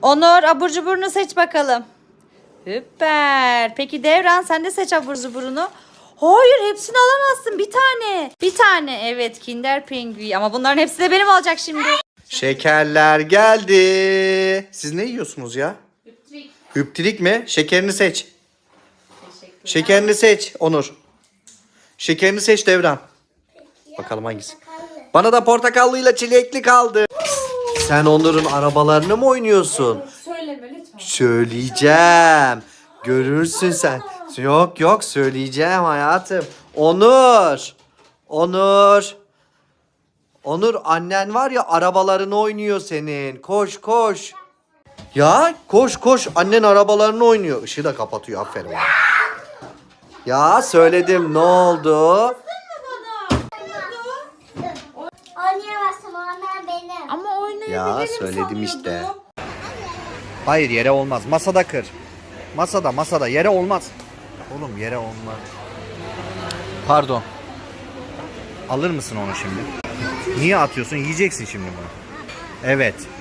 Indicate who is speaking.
Speaker 1: Onur abur cuburunu seç bakalım. Süper. Peki Devran sen de seç abur cuburunu. Hayır hepsini alamazsın. Bir tane. Bir tane. Evet Kinder Pingui. Ama bunların hepsi de benim olacak şimdi.
Speaker 2: Şekerler geldi. Siz ne yiyorsunuz ya?
Speaker 1: Hüptrik.
Speaker 2: Hüptirik mi? Şekerini seç. Şekerini seç Onur. Şekerini seç Devran. Bakalım hangisi? Bana da portakallıyla çilekli kaldı. Sen Onur'un arabalarını mı oynuyorsun?
Speaker 1: Söyleme lütfen.
Speaker 2: Söyleyeceğim. Görürsün sen. Yok yok söyleyeceğim hayatım. Onur. Onur. Onur annen var ya arabalarını oynuyor senin. Koş koş. Ya koş koş annen arabalarını oynuyor. Işığı da kapatıyor aferin. Ya söyledim ne oldu?
Speaker 3: Oynayamazsın onlar benim.
Speaker 1: Ama oynayabilirim
Speaker 2: Ya söyledim
Speaker 1: sanıyordum.
Speaker 2: işte. Hayır yere olmaz. Masada kır. Masada yere olmaz. Oğlum yere olmaz. Pardon. Alır mısın onu şimdi? Niye atıyorsun? Yiyeceksin şimdi bunu. Evet.